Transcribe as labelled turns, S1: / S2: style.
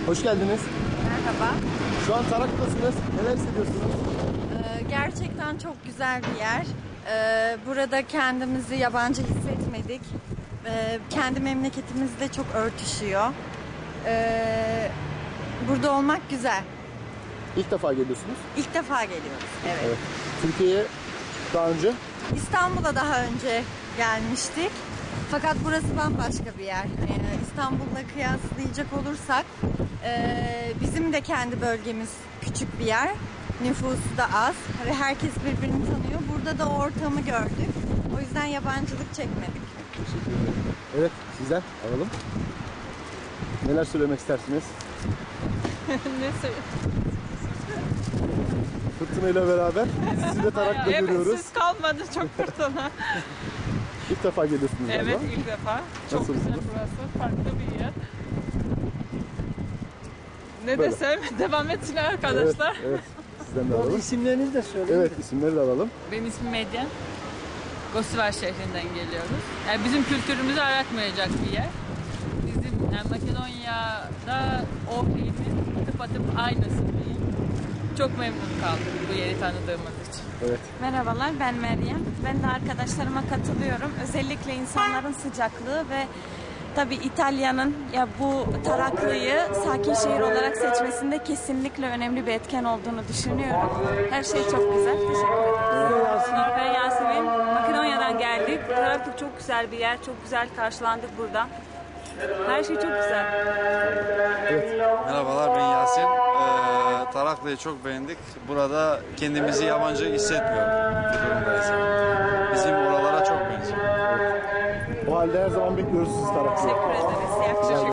S1: Hoş geldiniz.
S2: Merhaba.
S1: Şu an Tarak'tasınız. Neler hissediyorsunuz?
S2: Gerçekten çok güzel bir yer. Burada kendimizi yabancı hissetmedik. Kendi memleketimizle çok örtüşüyor. Burada olmak güzel.
S1: İlk defa geliyorsunuz.
S2: İlk defa geliyoruz. Evet.
S1: Evet. Türkiye'ye daha önce
S2: İstanbul'a daha önce gelmiştik. Fakat burası bambaşka bir yer. İstanbul'la kıyaslayacak olursak bizim de kendi bölgemiz küçük bir yer. Nüfusu da az ve herkes birbirini tanıyor. Burada da o ortamı gördük. O yüzden yabancılık çekmedik.
S1: teşekkür ederim. Evet, sizden alalım. Neler söylemek istersiniz?
S3: Ne söyleyeyim?
S1: Fırtınayla beraber sizi de Tarak'ta
S3: Evet,
S1: görüyoruz.
S3: siz kalmadı çok fırtına.
S1: İlk defa geliyorsunuz galiba.
S3: Evet, ilk defa. Çok
S1: Nasıl
S3: güzel
S1: buldunuz?
S3: burası, farklı bir yer. Ne
S1: Böyle.
S3: desem, devam etsin arkadaşlar.
S1: Evet, evet. Sizden de alalım.
S4: İsimlerinizi de söyleyin.
S1: Evet, isimleri de alalım.
S3: Benim ismim Medyen. Gostivar şehrinden geliyoruz. Yani bizim kültürümüzü aratmayacak bir yer. Bizim Makedonya'da Ohri'nin tıpatıp aynısı diyeyim. Çok memnun kaldık bu yeri tanıdığımız için.
S1: Evet.
S5: Merhabalar, ben Meryem. Ben de arkadaşlarıma katılıyorum. Özellikle insanların sıcaklığı ve tabii İtalya'nın ya bu Taraklı'yı sakin şehir olarak seçmesinde kesinlikle önemli bir etken olduğunu düşünüyorum. Her şey çok güzel. Teşekkür ederim. Ben Yasemin. Makedonya'dan geldik. Taraklı çok güzel bir yer. Çok güzel karşılandık burada. Her şey çok güzel.
S6: Merhabalar, ben Yasin. Taraklı'yı çok beğendik. Burada kendimizi yabancı hissetmiyoruz bu durumdayız. Bizim oralara çok benziyor.
S1: O halde her zaman bekliyoruz sizi Tarak'ta.
S5: Teşekkür ederiz. İyi akşamlar.